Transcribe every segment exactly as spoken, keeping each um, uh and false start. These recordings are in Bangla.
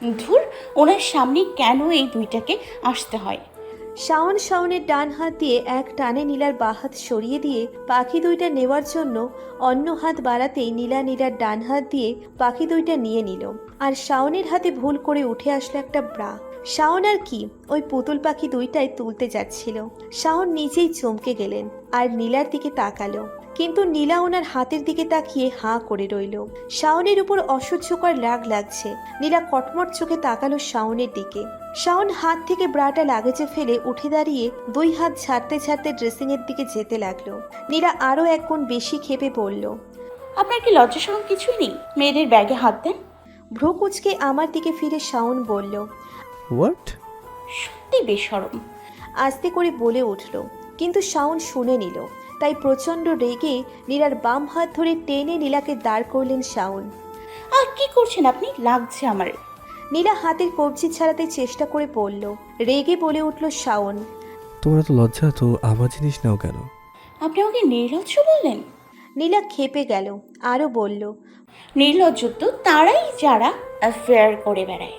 ধুর, ওনার সামনে কেন এই দুইটাকে আসতে হয়? শাওন শাওনের ডান হাত দিয়ে এক টানে নীলার বাঁ হাত সরিয়ে দিয়ে পাখি দুইটা নেওয়ার জন্য অন্য হাত বাড়াতেই নীলা নীলার ডান হাত দিয়ে পাখি দুইটা নিয়ে নিল। আর শাওনের হাতে ভুল করে উঠে আসলো একটা ব্রা। শাওন আর কি ওই পুতুল পাখি দুইটাই তুলতে যাচ্ছিল। শাওন নিজেই চমকে গেলেন আর নীলার দিকে তাকালো, কিন্তু নীলা ওনার হাতের দিকে তাকিয়ে হাঁ করে রইল। শাওনের উপর অসহ্যকর রাগ লাগছে। নীলা কটমট চোখে তাকালো শাওনের দিকে। শাওন হাত থেকে ব্রাটা লাগেজে ফেলে উঠে দাঁড়িয়ে দুই হাত ছাড়তে ছাড়তে ড্রেসিং এর দিকে যেতে লাগলো। নীলা আরো এক গুণ বেশি ক্ষেপে পড়ল। আপনার কি লজ্জা শরম কিছুই নেই? মেয়েদের ব্যাগে হাত দেন। ভ্রু কুচকে আমার দিকে ফিরে শাওন বলল, হোয়াট? সত্যি বেশরম। আস্তে করে বলে উঠল, কিন্তু শাওন শুনে নিল। তাই প্রচণ্ড রেগে নীলার বাম হাত ধরে টেনে নীলাকে দাঁড় করলেন শাওন। আর কি করছেন আপনি? লাগছে আমার। নীলা হাতের কবজি ছাড়াতে চেষ্টা করে পড়ল। রেগে বলে উঠল শাওন, তোমার এত লজ্জা তো আমার জিনিস নাও কেন? আপনি আমাকে নির্লজ্জ বললেন? নীলা ক্ষেপে গেল, আরও বলল, নির্লজ্জ তো তারাই যারা অ্যাফেয়ার করে বেড়ায়।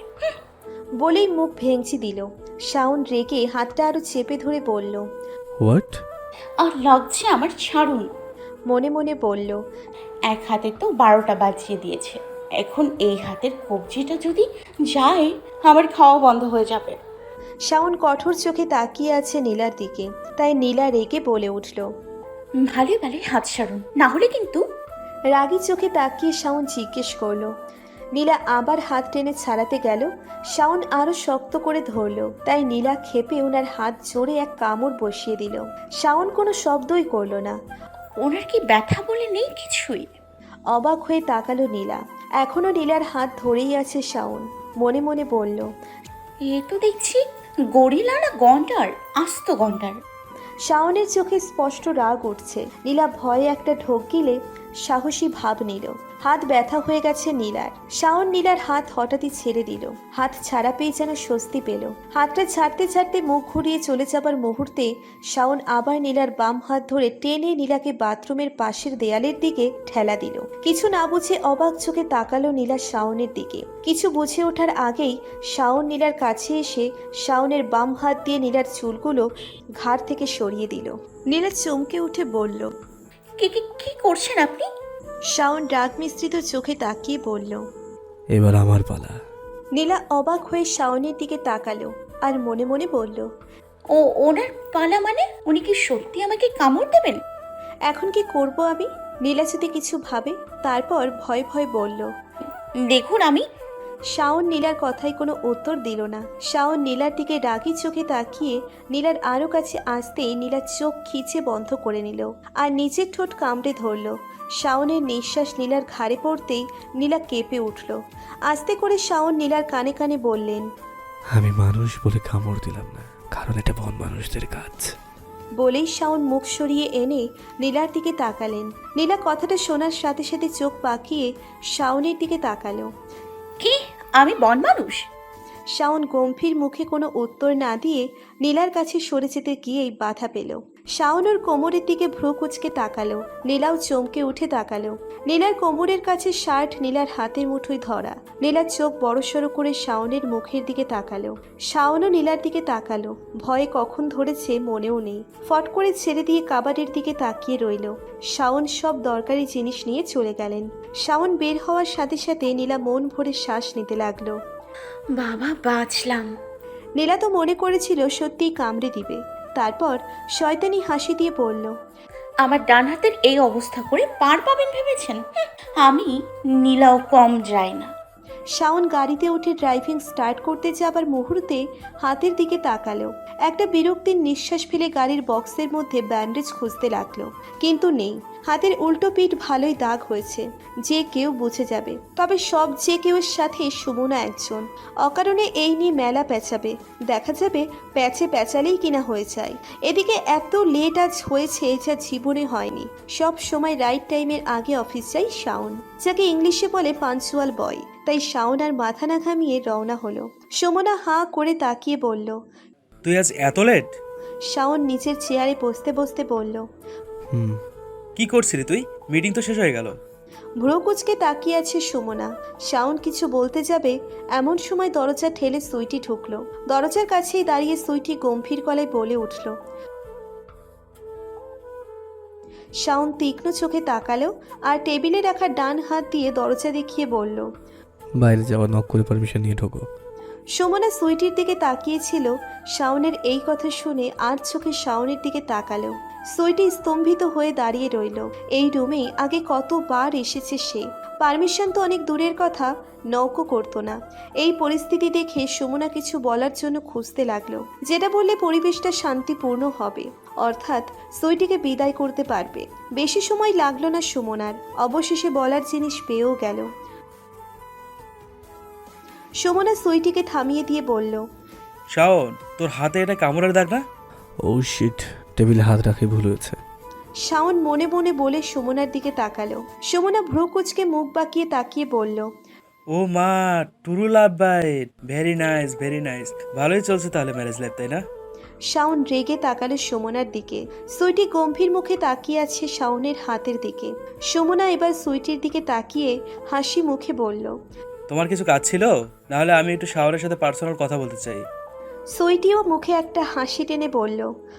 বলেই মুখ ভেঙচি দিল। শাওন রেগে হাতটা আরো চেপে ধরে বলল, হোয়াট? আর লাগছে আমার, ছাড়ুন। মনে মনে বলল, এক হাতে তো বারোটা বাজিয়ে দিয়েছে, এখন এই হাতের কবজিটা যদি যায় আমার খাওয়া বন্ধ হয়ে যাবে। শাওন কঠোর চোখে তাকিয়ে আছে নীলার দিকে। তাই নীলা রেগে বলে উঠল। ভালো ভালো হাত ছাড়ুন, না হলে কিন্তু। রাগী চোখে তাকিয়ে শাওন জিজ্ঞেস করলো। নীলা আবার হাত টেনে ছাড়াতে গেল। শাওন আরো শক্ত করে ধরল। তাই নীলা ক্ষেপে ওনার হাত জোরে এক কামড় বসিয়ে দিল। শাওন কোনো শব্দই করলো না। ওনার কি ব্যথা বলে নেই কিছুই? অবাক হয়ে তাকালো নীলা। এখনো নীলার হাত ধরেই আছে শাওন। মনে মনে বলল, এ তো দেখছি গরিলা না গন্ডার, আস্ত গন্ডার। শাওনের চোখে স্পষ্ট রাগ উঠছে। নীলা ভয়ে একটা ঢোক গিলে সাহসী ভাব নিল। হাত ব্যথা হয়ে গেছে নীলার। শাওন নীলার হাত হঠাৎই ছেড়ে দিল। হাত ছাড়া পেয়ে যেন স্বস্তি পেল। হাতটা ছাড়তে ছাড়তে মুখ ঘুরিয়ে চলে যাবার মুহূর্তে শাওন আবার নীলার বাম হাত ধরে টেনে নীলাকে বাথরুমের পাশের দেয়ালের দিকে ঠেলা দিল। কিছু না বুঝে অবাক চোখে তাকালো নীলা শাওনের দিকে। কিছু বুঝে ওঠার আগেই শাওন নীলার কাছে এসে শাওনের বাম হাত দিয়ে নীলার চুলগুলো ঘাড় থেকে সরিয়ে দিল। নীলা চমকে উঠে বলল, কি কি কি করছেন আপনি? শাওন রাগ মিশ্রিত চোখে তাকিয়ে বলল। এবার আমার পালা। নীলা অবাক হয়ে শাওনের দিকে তাকালো আর মনে মনে বলল, ও ওনার পালা মানে? উনি কি সত্যি আমাকে কামড় দেবেন? এখন কি করব আমি? নীলা যদি কিছু ভাবে। তারপর ভয় ভয় বলল। দেখুন আমি। শাওন নীলার কথায় কোনো উত্তর দিল না। শাওন নীলার দিকে রাগী চোখে তাকিয়ে নীলার আরও কাছে আসতেই নীলার চোখ খিচে বন্ধ করে নিল আর নিচের ঠোঁট কামড়ে ধরল। শাওনের নিঃশ্বাস নীলার ঘাড়ে পড়তেই নীলা কেঁপে উঠল। আস্তে করে শাওন নীলার কানে কানে বললেন, আমি মানুষ বলে কামড় দিলাম না, কারণ এটা বন মানুষদের কাজ। বলেই শাওন মুখ সরিয়ে এনে নীলার দিকে তাকালেন। নীলা কথাটা শোনার সাথে সাথে চোখ পাকিয়ে শাওনের দিকে তাকালো। কি আমি বন মানুষ? শাওন গম্ভীর মুখে কোনো উত্তর না দিয়ে নীলার কাছে সরে যেতে গিয়েই বাধা পেল। শাওন ওর কোমরের দিকে ভ্রু কুচকে তাকালো। নীলাও চমকে উঠে তাকালো। নীলার কোমরের কাছে শার্ট নীলার হাতের মুঠোয় ধরা। নীলার চোখ বড়সড় করে শাওনের মুখের দিকে তাকালো। শাওনও নীলার দিকে তাকালো। ভয়ে কখন ধরেছে মনেও নেই। ফট করে ছেড়ে দিয়ে কাবাডের দিকে তাকিয়ে রইল। শাওন সব দরকারি জিনিস নিয়ে চলে গেলেন। শাওন বের হওয়ার সাথে সাথে নীলা মন ভরে শ্বাস নিতে লাগলো। বাবা বাঁচলাম। নীলা তো মনে করেছিল সত্যিই কামড়ে দিবে। তারপর শয়তানি হাসি দিয়ে বলল, আমার ডান হাতের এই অবস্থা করে পার পাবেন ভেবেছেন? হুঁ, আমি নীলাও কম যায় না। শাওন গাড়িতে উঠে ড্রাইভিং স্টার্ট করতে যাবার মুহূর্তে হাতের দিকে তাকালো। একটা বিরক্তির নিঃশ্বাস ফেলে গাড়ির বক্সের মধ্যে ব্যান্ডেজ খুঁজতে লাগলো, কিন্তু নেই। হাতের উল্টো পিঠ ভালোই দাগ হয়েছে, যে কেউ বুঝে যাবে। তবে সব যে কেউর সাথে সুমনা একজন। অকারণে এই নিয়ে মেলা পেঁচাবে। দেখা যাবে প্যাচে প্যাচালেই কিনা হয়ে যায়। এদিকে এত লেট আজ হয়েছে যা জীবনে হয়নি। সব সময় রাইট টাইমের আগে অফিস যায় শাওন, যাকে ইংলিশে বলে পাঞ্চুয়াল বয়। তাই শাওন আর মাথা না ঘামিয়ে রওনা হলো। সুমনা হাঁ করে তাকিয়ে বলল, তুই আজ এত লেট? শাওন নিচের চেয়ারে বসতে বসতে বলল, হুম। কি করছিলি তুই? মিটিং তো শেষ হয়ে গেল। ভ্রুকুচকে তাকিয়ে আছে সুমনা। শাওন কিছু বলতে যাবে এমন সময় দরজা ঠেলে সুইটি ঢুকলো। দরজার কাছেই দাঁড়িয়ে সুইটি গম্ভীর গলায় বলে উঠল। শাওন তীক্ষ্ণ চোখে তাকালো আর টেবিলে রাখা ডান হাত দিয়ে দরজা দেখিয়ে বলল, বাইরে যাওয়া নক করে পারমিশন নিয়ে ঢোকো। সুমনা সুইটির দিকে তাকিয়েছিল। শাওনের এই কথা শুনে আর চোখে শাওনের দিকে তাকালো। সুইটি স্তম্ভিত হয়ে দাঁড়িয়ে রইল। এই রুমে আগে কতবার এসেছে সে। পারমিশন তো অনেক দূরের কথা, নৌকো করতো না। এই পরিস্থিতি দেখে সুমনা কিছু বলার জন্য খুঁজতে লাগলো, যেটা বললে পরিবেশটা শান্তিপূর্ণ হবে, অর্থাৎ সুইটিকে বিদায় করতে পারবে। বেশি সময় লাগলো না সুমনার, অবশেষে বলার জিনিস পেয়েও গেল। সুমনা সুইটিকে থামিয়ে দিয়ে বলল, শাওন, তোর হাতে এটা কামড়ের দাগ না? ও শিট, টেবিলে হাত রাখে ভুল হয়েছে। শাওন মনে মনে বলে সুমনার দিকে তাকালো। সুমনা ভ্রু কুচকে মুখ বাঁকিয়ে তাকিয়ে বলল, ও মা, true love bite, very nice very nice. ভালোই চলছে তাহলে ম্যারেজ লাইফ, তাই না? শাওন রেগে তাকালো সুমনার দিকে। সুইটি গম্ভীর মুখে তাকিয়ে আছে শাওনের হাতের দিকে। সুমনা এবার সুইটির দিকে তাকিয়ে হাসি মুখে বলল, তোমার কিছু কাজ ছিল? নাহলে আমি একটু শাওনের সাথে পার্সোনাল কথা বলতে চাই। সুইটিও মুখে একটা হাসি টেনে বলল।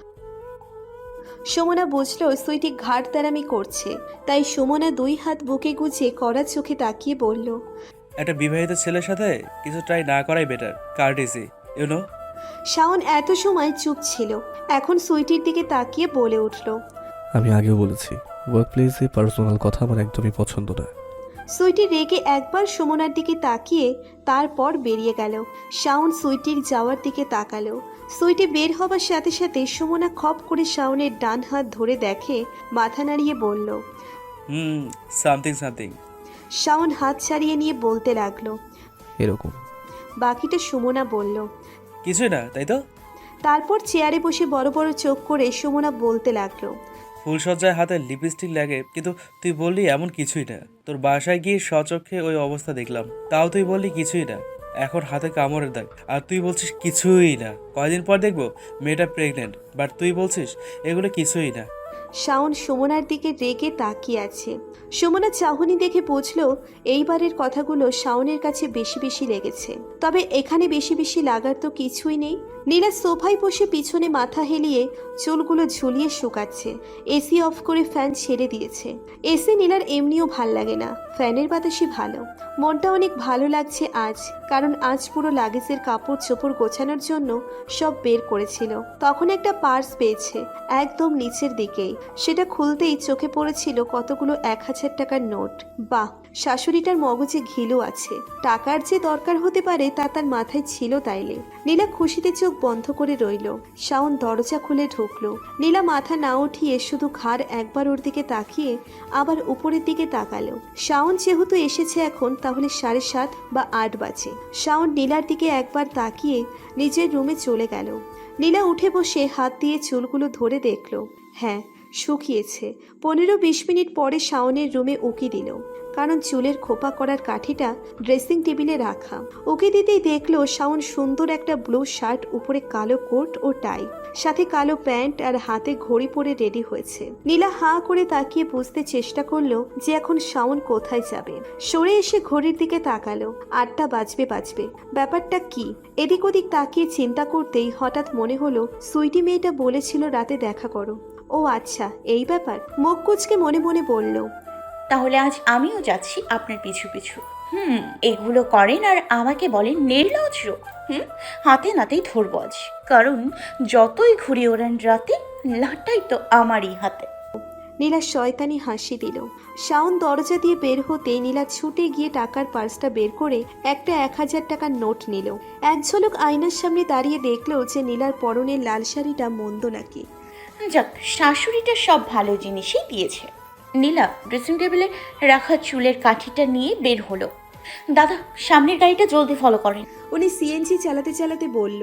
সুমনা বুঝলো সুইটি ঘাট তারামি করছে, তাই সুমনা দুই হাত বুকে গুজে কড়া চোখে তাকিয়ে বলল, একটা বিবাহিত ছেলের সাথে কিছু ট্রাই না করাই better, courtesy, you know. Shaon এত সময় চুপ ছিল, এখন সুইটির দিকে তাকিয়ে বলে উঠল। আমি আগেও বলেছি, ওয়ার্ক প্লেসে পার্সোনাল কথা আমার একদমই পছন্দ না। সুইটি রেগে একবার সুমনার দিকে তাকিয়ে তারপর বেরিয়ে গেল। শাওন সুইটির যাওয়ার দিকে তাকালো। সুইটি বের হবার সাথে সাথে সুমনা খপ করে শাওনের ডান হাত ধরে দেখে, মাথা নাড়িয়ে বলল। হুম, সামথিং সামথিং। শাওন হাত ছাড়িয়ে নিয়ে বলতে লাগলো। এরকম। বাকিটা সুমনা বলল। কিছুই না, তাই তো? তারপর চেয়ারে বসে বড় বড় চোখ করে সুমনা বলতে লাগলো। ফুলসজ্জায় হাতে লিপস্টিক লাগে, কিন্তু তুই বললি এমন কিছুই না। তোর বাসায় গিয়ে স্বচক্ষে ওই অবস্থা দেখলাম, তাও তুই বললি কিছুই না। এখন হাতে কামড়ের দাগ, আর তুই বলছিস কিছুই না। কয়দিন পর দেখবো মেয়েটা প্রেগনেন্ট, বাট তুই বলছিস এগুলো কিছুই না। শাওন সুমনার দিকে রেগে তাকিয়ে আছে। সুমনা চাহনি দেখে বুঝলো এইবারের কথাগুলো শাওনের কাছে বেশি বেশি লেগেছে। তবে এখানে বেশি বেশি লাগার তো কিছুই নেই। নীলা সোফায় বসে পিছনে মাথা হেলিয়ে চুলগুলো ঝুলিয়ে শুকাচ্ছে। এসি অফ করে ফ্যান ছেড়ে দিয়েছে। এসি নীলার এমনিও ভাল লাগে না, ফ্যানের বাতাসই ভালো। মনটা অনেক ভালো লাগছে আজ, কারণ আজ পুরো লাগেজের কাপড় চোপড় গোছানোর জন্য সব বের করেছিল। তখন একটা পার্স পেয়েছে, একদম নিচের দিকেই। সেটা খুলতেই চোখে পড়েছিল কতগুলো এক হাজার টাকার নোট। বাহ, শাশুড়িটার মগজে ঘিলু আছে। টাকার যে দরকার হতে পারে তা তার মাথায় ছিল তাইলে। নীলা খুশিতে চোখ বন্ধ করে রইল। শাওন দরজা খুলে ঢুকলো। নীলা মাথা না উঠিয়ে শুধু ঘাড় একবার ওর দিকে তাকিয়ে আবার উপরের দিকে তাকালো। শাওন যেহেতু এসেছে এখন, তাহলে সাড়ে সাত বা আট বাজে। শাওন নীলার দিকে একবার তাকিয়ে নিজের রুমে চলে গেল। নীলা উঠে বসে হাত দিয়ে চুলগুলো ধরে দেখলো, হ্যাঁ শুকিয়েছে। পনেরো বিশ মিনিট পরে শাওনের রুমে উকি দিল, কারণ চুলের খোপা করার কাঠিটা ড্রেসিং টেবিলে রাখা। উকি দিতেই দেখলো শাওন সুন্দর একটা ব্লু শার্ট, উপরে কালো কোট ও টাই, সাথে কালো প্যান্ট আর হাতে ঘড়ি পরে রেডি হয়েছে। নীলা হাঁ করে তাকিয়ে বুঝতে চেষ্টা করলো যে এখন শাওন কোথায় যাবে। সরে এসে ঘড়ির দিকে তাকালো, আটটা বাজবে বাজবে ব্যাপারটা কি? এদিক ওদিক তাকিয়ে চিন্তা করতেই হঠাৎ মনে হলো সুইটি মেয়েটা বলেছিল রাতে দেখা করো। ও আচ্ছা, এই ব্যাপার। মুখ কুচকে মনে মনে বলল, তাহলে আজ আমিও যাচ্ছি আপনার পিছু পিছু। হুম, এগুলো করেন আর আমাকে বলেন নির্লজ্জ। হুম, হাতে নাতেই ধরবো আজ, কারণ যতই ঘুরে ওড়ান রাতে, লাটাই তো আমারই হাতে। নীলা শয়তানি হাসি দিল। শাওন দরজা দিয়ে বের হতে নীলা ছুটে গিয়ে টাকার পার্সটা বের করে একটা এক হাজার টাকার নোট নিল। এক ঝলক আয়নার সামনে দাঁড়িয়ে দেখলো যে নীলার পরনের লাল শাড়িটা মন্দ নাকি। যাক, শাশুড়িটা সব ভালো জিনিসই দিয়েছে। নীলা ড্রেসিং টেবিলে রাখা চুলের কাঠিটা নিয়ে বের হলো। দাদা, সামনের গাড়িটা জলদি ফলো করেন। উনি সিএনজি চালাতে চালাতে বলল,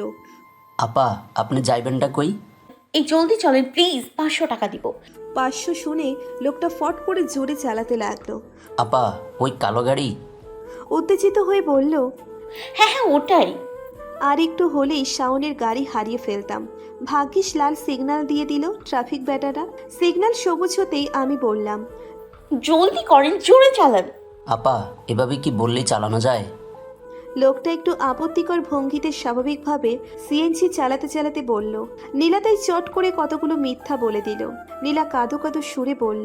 আপা আপনি যাইবেনটা কই? এই জলদি চলেন প্লিজ, পাঁচশো টাকা দিব। পাঁচশো শুনে লোকটা ফট করে জোরে চালাতে লাগলো। আপা ওই কালো গাড়ি? উত্তেজিত হয়ে বলল, হ্যাঁ হ্যাঁ ওটাই। আর একটু হলেই শাওনের গাড়ি হারিয়ে ফেলতাম। ভাগ্যিস লাল সিগন্যাল দিয়ে দিল ট্রাফিক ব্যাটারা। সিগন্যাল সবুজ হতেই আমি বললাম, জলদি করেন, জোরে চালান। আপা এভাবে কি বললেই চালানো যায়? লোকটা একটু আপত্তিকর ভঙ্গিতে স্বাভাবিকভাবে সিএনজি চালাতে চালাতে বলল। নীলা তাই চট করে কতগুলো মিথ্যা বলে দিল। নীলা কাঁদো কাঁদো সুরে বলল,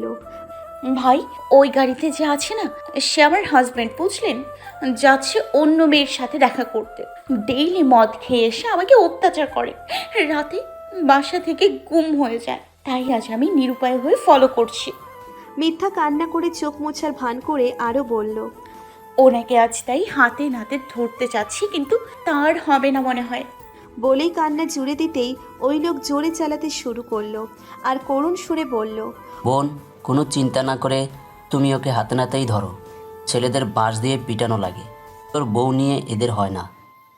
ভাই, ওই গাড়িতে যে আছে না, সে আমার হাজব্যান্ড, বুঝলেন? যাচ্ছে অন্য মেয়ের সাথে দেখা করতে। ডেইলি মদ খেয়ে এসে আমাকে অত্যাচার করে, রাতে বাসা থেকে গুম হয়ে যায়। তাই আজ আমি নিরুপায় হয়ে ফলো করছি। মিথ্যা কান্না করে চোখ মোছার ভান করে আরও বলল, ওনাকে আজ তাই হাতে নাতে ধরতে চাচ্ছি, কিন্তু তার হবে না মনে হয়। বলেই কান্না জুড়ে দিতেই ওই লোক জোরে চালাতে শুরু করলো আর করুণ সুরে বলল, বোন, কোনো চিন্তা না করে তুমি ওকে হাতে নাতেই ধরো। ছেলেদের বাঁশ দিয়ে পিটানো লাগে, তোর বউ নিয়ে এদের হয় না।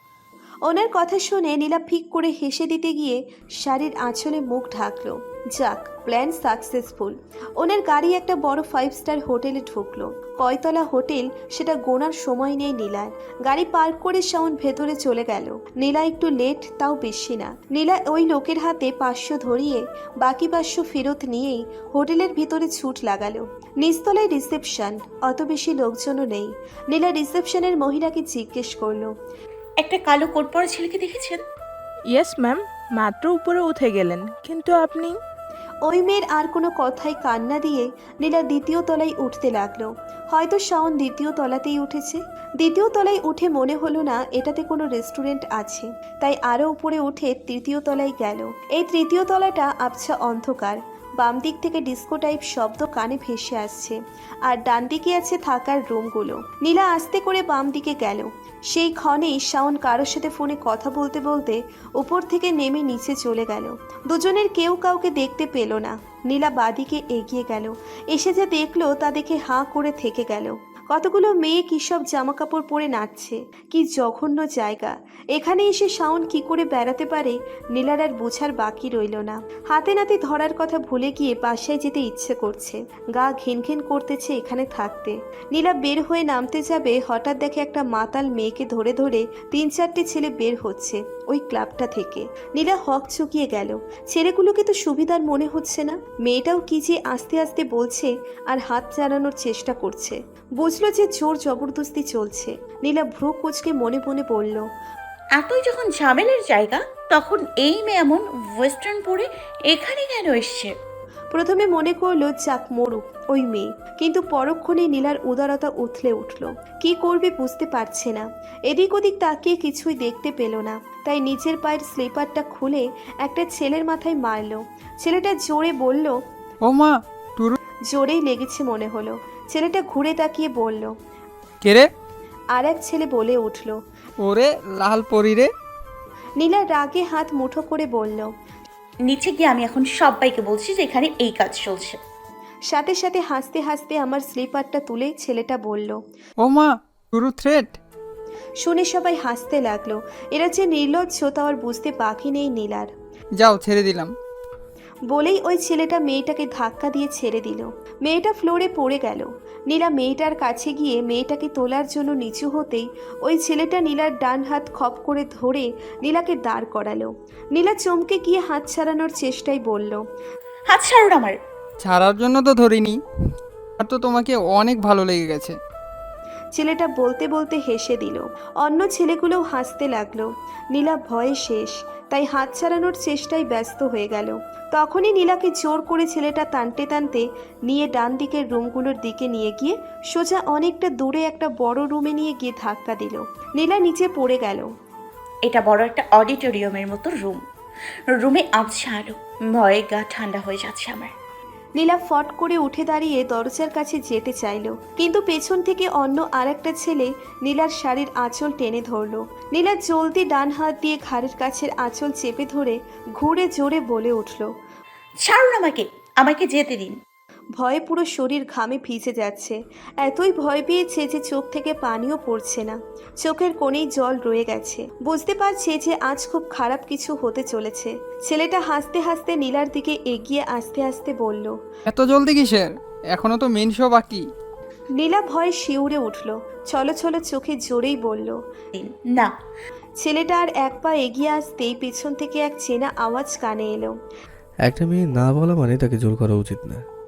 ওনার কথা শুনে নীলা ফিক করে হেসে দিতে গিয়ে শাড়ির আঁচলে মুখ ঢাকলো। যাক, প্ল্যান সাকসেসফুল। ওনার গাড়ি একটা বড় ফাইভ স্টার হোটেলে ঢুকলো। কয়তলা হোটেল সেটা গোনার সময় নেই নীলার। গাড়ি পার্ক করে শাওন ভেতরে চলে গেল। নীলা একটু লেট, তাও বেশি না। নীলা ওই লোকের হাতে পাঁচশো ধরিয়ে বাকি পাঁচশো ফেরত নিয়েই হোটেলের ভিতরে ছুট লাগালো। নিচতলায় রিসেপশন, অত বেশি লোকজনও নেই। নীলা রিসেপশনের মহিলাকে জিজ্ঞেস করলো, একটা কালো কোট পরা ছেলেকে দেখেছেন? ইয়েস ম্যাম, মাত্র উপরে উঠে গেলেন, কিন্তু আপনি? ওই মেয়ের আর কোনো কথাই কান না দিয়ে নীলা দ্বিতীয় তলায় উঠতে লাগলো। হয়তো শাওন দ্বিতীয় তলাতেই উঠেছে। দ্বিতীয় তলায় উঠে মনে হলো না এটাতে কোনো রেস্টুরেন্ট আছে, তাই আরও উপরে উঠে তৃতীয় তলায় গেল। এই তৃতীয় তলাটা আবছা অন্ধকার। বাম দিক থেকে ডিস্কো টাইপ শব্দ কানে ভেসে আসছে, আর ডান দিকে আছে থাকার রুমগুলো। নীলা আস্তে করে বাম দিকে গেল। সেই ক্ষণেই শাওন কারোর সাথে ফোনে কথা বলতে বলতে উপর থেকে নেমে নিচে চলে গেল। দুজনের কেউ কাউকে দেখতে পেল না। নীলা বাদিকে এগিয়ে গেল। এসে যা দেখলো তা দেখে হাঁ করে থেকে গেল। কতগুলো মেয়ে কী সব জামা কাপড় পরে নাচছে। কি জঘন্য জায়গা! এখানে এসে শাওন কি করে বেড়াতে পারে নীলার আর বোঝার বাকি রইল না। হাতে নাতে ধরার কথা ভুলে গিয়ে বাসায় যেতে ইচ্ছে করছে। গা ঘিন ঘিন করতেছে এখানে থাকতে। নীলা বের হয়ে নামতে যাবে, হঠাৎ দেখে একটা মাতাল মেয়েকে ধরে ধরে তিন চারটে ছেলে বের হচ্ছে ওই ক্লাবটা থেকে। নীলা হক চুকিয়ে গেল। ছেলেগুলোকে তো সুবিধার মনে হচ্ছে না। মেয়েটাও কি যে আস্তে আস্তে বলছে আর হাত চালানোর চেষ্টা করছে। বুঝলো যে জোর জবরদস্তি চলছে। নীলা ভ্রু কুচকে মনে মনে বলল, এতই যখন ঝামেলের জায়গা, তখন এই মেয়ে এমন ওয়েস্টার্ন পরে এখানে কেন এসছে? প্রথমে মনে করলো যাক মরুক ওই মেয়ে, কিন্তু পরক্ষণে নীলার উদারতা উথলে উঠল। কি করবে বুঝতে পারছে না। এদিক ওদিক তাকিয়ে কিছুই দেখতে পেল না, তাই নিচের পায়ের স্লিপারটা খুলে একটা ছেলের মাথায় মারল। ছেলেটা জোরে বলল, ও মা, টুরু জোরেই লেগেছে মনে হলো। ছেলেটা ঘুরে তাকিয়ে বলল। কে রে? আর এক ছেলে বলে উঠল, ওরে লাল পরি রে। নীলা রাগে হাত মুঠো করে বলল। নিচে গিয়ে আমি এখন সবাইকে বলছি যে এখানে এই কাজ চলছে। সাথে সাথে হাসতে হাসতে আমার স্লিপারটা তুলে ছেলেটা বলল। ও মা, টুরু থ্রেট। শুনে সবাই হাসতে লাগলো। এরা যে নির্লজ্জ তা আর বুঝতে বাকি নেই নীলার। যাও, ছেড়ে দিলাম। বলেই ওই ছেলেটা মেয়েটাকে ধাক্কা দিয়ে ছেড়ে দিল। মেয়েটা ফ্লোরে পড়ে গেল। নীলা মেয়েটার কাছে গিয়ে মেয়েটাকে তোলার জন্য নিচু হতেই ওই ছেলেটা নীলার ডান হাত খপ করে ধরে নীলাকে দাঁড় করালো। নীলা চমকে গিয়ে হাত ছাড়ানোর চেষ্টায় বলল, হাত ছাড়ুন আমার। ছাড়ার জন্য তো ধরিনি, আর তো তোমাকে অনেক ভালো লেগে গেছে। ছেলেটা বলতে বলতে হেসে দিল। অন্য ছেলেগুলোও হাসতে লাগলো। নীলা ভয়ে শেষ, তাই হাত ছাড়ানোর চেষ্টায় ব্যস্ত হয়ে গেল। তখনই নীলাকে জোর করে ছেলেটা টানতে টানতে নিয়ে ডান দিকের রুমগুলোর দিকে নিয়ে গিয়ে সোজা অনেকটা দূরে একটা বড় রুমে নিয়ে গিয়ে ধাক্কা দিল। নীলা নিচে পড়ে গেল। এটা বড় একটা অডিটোরিয়ামের মতো রুম। রুমে আবছা আলো, ভয়ে গা ঠান্ডা হয়ে যাচ্ছে আমার। নীলা ফট করে উঠে দাঁড়িয়ে দরজার কাছে যেতে চাইল, কিন্তু পেছন থেকে অন্য আর একটা ছেলে নীলার শাড়ির আঁচল টেনে ধরল। নীলা জলদি ডান হাত দিয়ে ঘাড়ের কাছের আঁচল চেপে ধরে ঘুরে জোরে বলে উঠল। ছাড়ুন আমাকে, আমাকে যেতে দিন। ভয়ে পুরো শরীর ঘামে ভিজে যাচ্ছে। এতই ভয় পেয়েছে যে চোখ থেকে পানিও পড়ছে না। চোখের কোণেই জল রয়ে গেছে। বুঝতে পারছে যে আজ খুব খারাপ কিছু হতে চলেছে। ছেলেটা হাসতে হাসতে নীলার দিকে এগিয়ে আস্তে আস্তে বলল, এত জলদি কিসের? এখনো তো মেন শো বাকি। নীলা ভয়ে শিউরে উঠল। চলো চলো চোখে জোরেই বলল। দিন না। ছেলেটা আর এক পা এগিয়ে আসতেই পেছন থেকে এক চেনা আওয়াজ কানে এলো। একটা মেয়ে না বলা মানে তাকে জোর করা উচিত না।